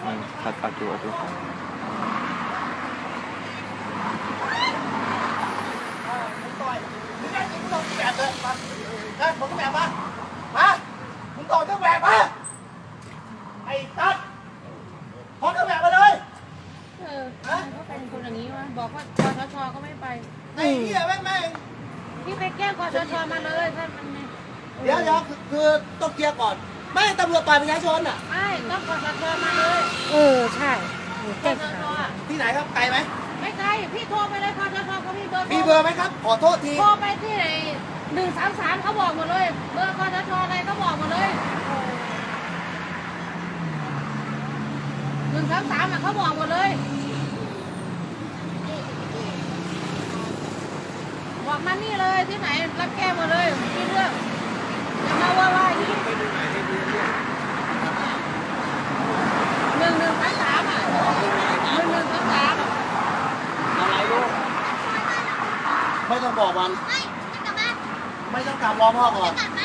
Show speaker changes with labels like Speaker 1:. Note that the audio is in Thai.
Speaker 1: ขัดอยู่ดู
Speaker 2: แบบเลยมาได้ผมก็แบบมามึงต่อเครื่องแบบมาไอ้ตัดพอเครื่องแบบมาเลย
Speaker 3: เขาเป็นคนอย่างนี้วะบอกว่าคชชก็ไม่ไป
Speaker 2: ไอ้เหี้ยแม่ง
Speaker 3: พี่ไปแก้คชชมาเลยถ้ามันไม่
Speaker 2: เดี๋ยวคือต้องเคลียร์ก่อน ไม่ตำรวจปล่อยประชาชนอ่ะ
Speaker 3: ไม่ต้องคชชมาเลย
Speaker 4: ใช่
Speaker 3: คช
Speaker 4: แก้ไข
Speaker 3: ชอ่ะ
Speaker 2: ที่ไหนครับไกลไหม
Speaker 3: ไม่ไกลพี่โทรไปเลยคชชเขามีเบอร์
Speaker 2: มีเบอร์ไหมครับขอโทษที
Speaker 3: โทรไปที่ไหน133เขาบอกหมดเลยเบอร์คชชอะไรเขาบอกหมดเลย133อ่ะเขาบอกหมดเลยบอกมานี่เลยที่ไหนรับแก้หมดเลยมีเรื่องอย่ามาว่าอย่างนี้
Speaker 2: ไปดูไหนให้ดูเรื่อง
Speaker 3: 1133อ่ะ1133
Speaker 2: อะไรลูกไม่ต้องบอกวันไม่ต้องกลับรอพ่อก่อน
Speaker 5: กลับมา